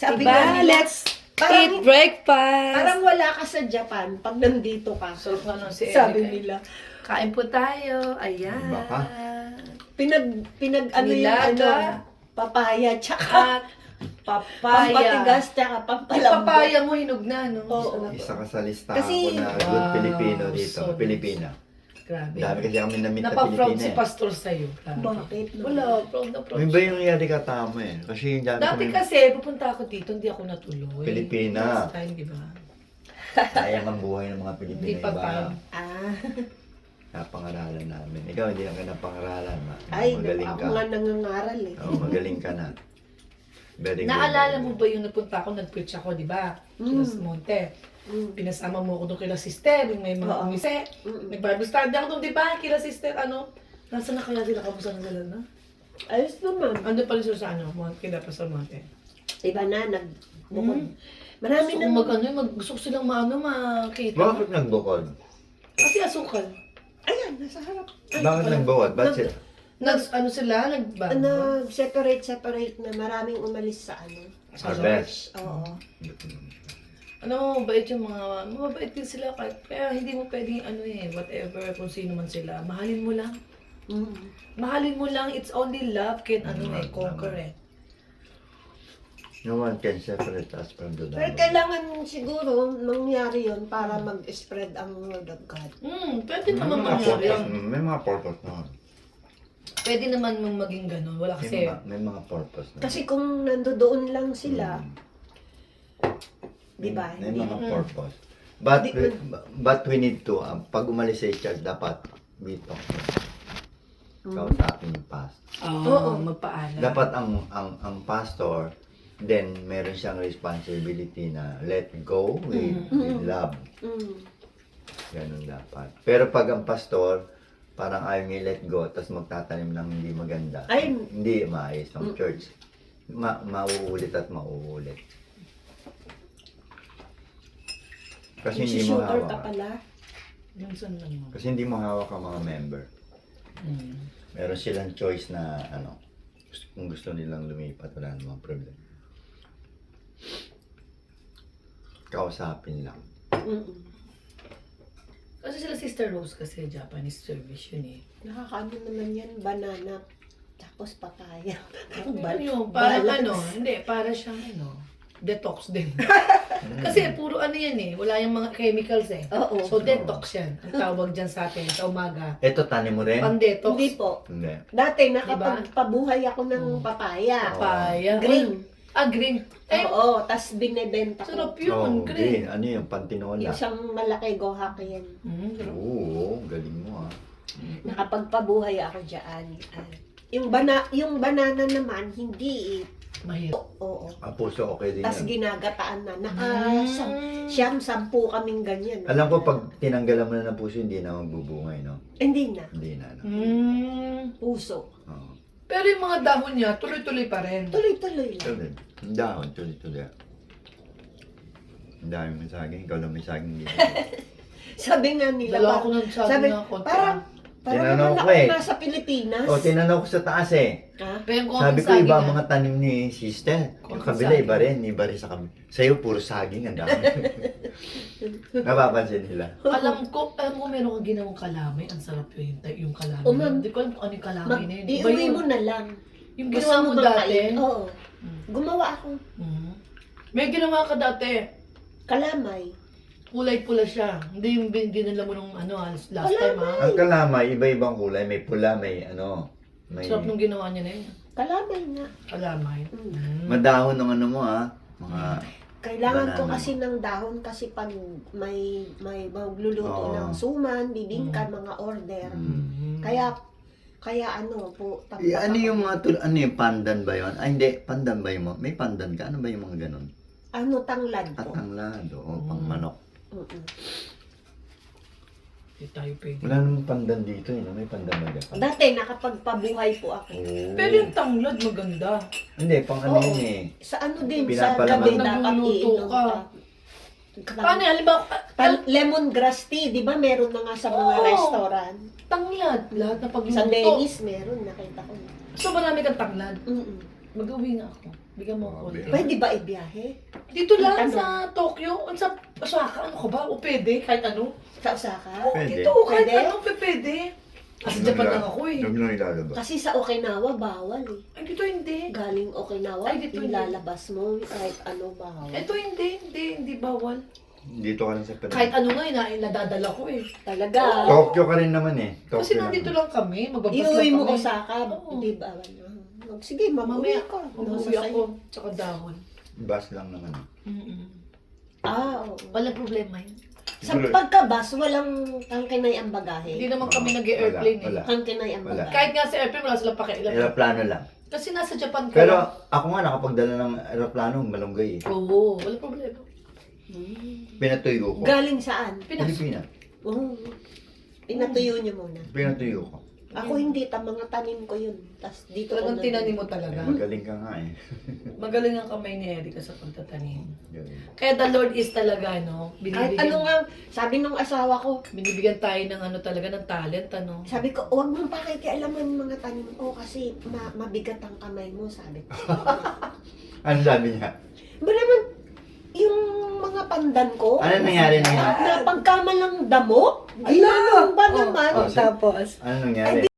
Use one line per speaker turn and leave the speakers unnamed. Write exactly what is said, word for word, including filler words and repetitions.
Sabi
Diba?
nga nila,
Let's
parang-
eat breakfast.
parang wala ka sa Japan pag nandito ka.
Sarap nga nun si
Sabi
Eric.
nila.
Kain po tayo. Ayan.
Baka.
Pinag, pinag ano yung ano,
Nilaga.
papaya, tsaka
At papaya.
pampatigas, tsaka
Yung
pampalambot.
papaya mo hinog na, no?
Oo.
Isa ka sa listahan
Kasi-
ko na good
Wow,
Pilipino dito.
so
Pilipina.
Grabe.
Dami kasi kami na-meet na
Napa-proud
Pilipina
si
eh.
Pastor sa'yo. Grabe.
Bakit?
Wala, proud na proud.
May ba yung yari ka tama eh? Kasi yung dami
Dati
kami
kasi, pupunta ako dito, hindi ako natuloy.
Pilipina.
Last time, di ba?
sayang ang buhay ng mga Pilipino.
Hindi pa
iba.
time.
Ah,
Napangaralan namin. Ikaw hindi lang ka napangaralan. Ma.
ay,
magaling
ako
ka.
nga nangangaral eh.
Oo, magaling ka na. Very good.
Naalala mo ba yung napunta ako, nag-preach ako, di ba?
Mm.
Sa Monte.
Mm.
Pinasama mo ako doon kila sister, yung may mga
Oo.
umise.
Mm.
Nag-Bible study ako doon, di ba? Kila sister, ano? Nasaan na kaya sila? Kamusta na sila na?
Ayos naman.
Ando pa rin sila sa ano, Monte, kila pa sa Monte.
Iba na, nagbukod.
Mm.
Marami
Gusto
na.
ko mag, ano, mag, gusto ko silang maano, makita.
Bakit nagbukod?
Kasi asukal.
Ayan, nasa harap.
Bakit nagbukod? Ba't
Nag-
sila?
Nag, ano sila, nagbago.
Nag-separate, separate na maraming umalis sa ano. Sa
Harvest.
church. Oo.
Ano, mabait yung mga, mabait din sila kahit, kaya hindi mo pwedeng ano eh, whatever, kung sino man sila, mahalin mo lang.
Mm.
Mahalin mo lang, it's only love can ano
Mm,
eh, conquer
tama.
eh.
No one can separate us from the
Pero
Lord.
kailangan siguro mangyari yon para mag-spread ang word of God.
Hmm, pwede
May
naman
mga
mangyari.
purpose, may mga purpose na.
Pwede naman mong maging ganun, wala
May
kasi.
mga, may mga purpose na.
Kasi kung nandoon lang sila,
Mm.
di ba?
May
Hindi-
mga
Mm.
purpose. But
Di-
we, but we need to, um, pag umalis sa church, dapat we talk. Ikaw
Mm.
sa akin yung past.
Oo,
Oo.
magpaalam.
Dapat ang ang ang pastor, then meron siyang responsibility na let go with,
Mm.
with love.
Mm.
Ganun dapat. Pero pag ang pastor, parang ayaw niya let go, tapos magtatanim ng hindi maganda.
Ay.
Hindi maayos ng
Mm.
church. Ma mauulit at mauulit. Kasi hindi mo
Shooter ka
hawak.
pala.
Minsan lang mo.
Kasi hindi mo hawak ang mga member.
Hmm.
Meron silang choice na ano, gusto- kung gusto nilang lumipat, wala namang problem. Kausapin lang.
Mm-mm.
Kasi sila Sister Rose kasi Japanese service yun eh.
Nakakaano naman yan, banana, tapos papaya.
Ano
Bal-
yun? Parang
balance.
ano, hindi, para siyang ano, detox din. Kasi puro ano yan eh, wala yung mga chemicals eh.
Oo.
So detox yan. Ang tawag dyan sa atin sa umaga.
Ito, tanim mo rin?
Pan-detox.
Hindi po.
Hindi.
Dati nakapagpabuhay ako ng
Mm.
papaya.
Papaya.
Green.
Ah, green. Eh,
Oo, tas binebenta ko.
sarap
Oh,
yun,
green.
green.
Ano yung pantinola?
Isang malaki gohak yan.
Mm, sarap.
Oo, galing mo ah.
Nakapagpabuhay ako dyan. Ah, yung, bana, yung banana naman, hindi eh.
Mahirap.
Oo.
Ang puso okay din
Tas
yan.
ginagataan na. Naka,
Mm.
sam, siyam, sampu kaming ganyan.
Alam ko pag tinanggalan mo na ng puso, hindi na magbubungay, no?
Hindi na.
Hindi na, no?
Mm.
Puso.
Oo.
Pero yung mga dahon niya, tuloy-tuloy pa rin.
Tuloy-tuloy lang.
Tuloy. Ang dahon, tuloy-tuloy. Ang dami mo saging, ikaw lang may saging dito.
Sabi nga nila,
Dalawa
par-
ko ng sabi
sabi,
na konti.
parang, parang
Tinanong
naman
ko
ako
eh.
nasa Pilipinas.
O, tinanong ko sa taas eh.
Ha?
Pero kung
Sabi
ang
ko,
saging
iba ang
niya-
mga tanim ni sister. Yung
Konting
kabila,
saging.
iba rin. Iba rin sa kabila. Sa'yo, puro saging. Ang dami. Napapansin nila.
Alam ko, alam ko meron kang ginawang kalamay. Ang sarap yun, yung, yung kalamay.
O, ma'am.
Hindi ko alam kung ano yung kalamay
Mag,
na yun. Iba
iuwi
yun.
mo na lang.
Yung
Gusto
ginawa mo
bang
dati.
kain? Oo.
Mm.
Gumawa ako.
Mm. May ginawa ka dati.
Kalamay.
Kulay pula siya. Hindi yung bin- dinala mo nung ano, ah, last time ha.
Ang kalamay, iba-ibang kulay. May pula, may ano. May
Sarap nung ginawa niya na yun.
Kalamay nga.
Kalamay.
Mm.
Mm.
madahon ng ano mo ah. Mga
Kailangan ko
Banana.
kasi ng dahon kasi pag may may magluluto
Oo.
ng suman, bibingka, mga order.
Mm.
Kaya kaya ano po, tapos
Eh, ano yung mga tul ano yung pandan ba yun? Ay hindi, pandan ba yung mga, may pandan ka? Ano ba yung mga ganun?
ano tanglad
At
po.
ang lado, o
Mm.
pang manok.
Mm-mm.
Hindi tayo pwede.
Wala namang pandan dito eh, no? May pandan ba dyan?
Dati nakapagpabuhay po ako.
Oo.
Pero yung tanglad maganda.
Hindi, pang ano
Oo.
yun eh.
Sa ano din, sa
Pinapalaman.
gabi dapat
Nagluluto
iinom
ka.
ka.
Paano yan? Halimbawa, ah,
Pan- lemongrass tea, di ba meron na nga sa mga
Oo.
restaurant?
tanglad. Lahat na pagluto.
Sa Dennis meron, nakita ko.
So marami kang tanglad.
Mm-mm.
Mag-uwi nga ako. Bigyan mo ako.
Oh,
konti.
Pwede ba ibiyahe?
Dito lang
Ano?
sa Tokyo. Ano sa Osaka? Ano ka ba? O pwede? Kahit ano?
Sa Osaka?
Oo,
Pwede.
dito. Kahit
Pwede?
ano, pe- pwede. Kasi Japan lang ako eh.
Huwag lang ilalabas.
Kasi sa Okinawa, bawal eh.
Ay, dito hindi.
Galing Okinawa,
Ay, dito hindi.
ilalabas mo kahit ano bawal.
Ito hindi, hindi, hindi bawal.
Dito ka lang sa Pinas.
Kahit ano nga, ina, nadadala ko eh.
Talaga.
Tokyo ka rin naman eh. Tokyo
Kasi nandito lang kami, magbabas lang
Iuwi
kami.
mo Osaka,
Oo.
di ba? Ano? Sige, mamuwi
Mamaya
ka.
Umuwi ako, tsaka dahon.
Bus lang naman.
Mm-mm.
Ah, oo.
Walang problema yun.
Sa pagkabas, walang tangkinay ang bagahe.
Hindi naman kami nag-airplane eh.
Wala, wala.
Tangkinay ang
Wala.
bagahe.
Kahit nga sa airplane, wala silang pakialam.
Aeroplano lang.
Kasi nasa Japan ka
Pero
lang.
ako nga nakapagdala ng aeroplano, malunggay eh.
Oo, walang problema.
Hmm.
Pinatuyo ko.
Galing saan?
Pinas.
Pilipinas.
Oo. Pinatuyo niyo muna.
Pinatuyo ko.
Ako hindi, ta mga tanim ko yun. Tapos dito ko
Talagang
na-
tinanim mo talaga.
Magaling ka nga eh.
Magaling ang kamay ni Erika sa pagtatanim.
Galing.
Kaya the Lord is talaga, no?
Kahit
Binibigyan,
ano nga, sabi nung asawa ko,
binibigyan tayo ng ano talaga, ng talent, ano?
sabi ko, huwag mong pakikialaman mga tanim ko kasi ma- mabigat ang kamay mo, sabi ko.
Ano sabi niya?
Ba naman, yung mga pandan ko,
Ano nangyari na yun?
napagkamalang damo, ginanong ba
Oh,
naman?
oh,
Tapos?
Ano nangyari?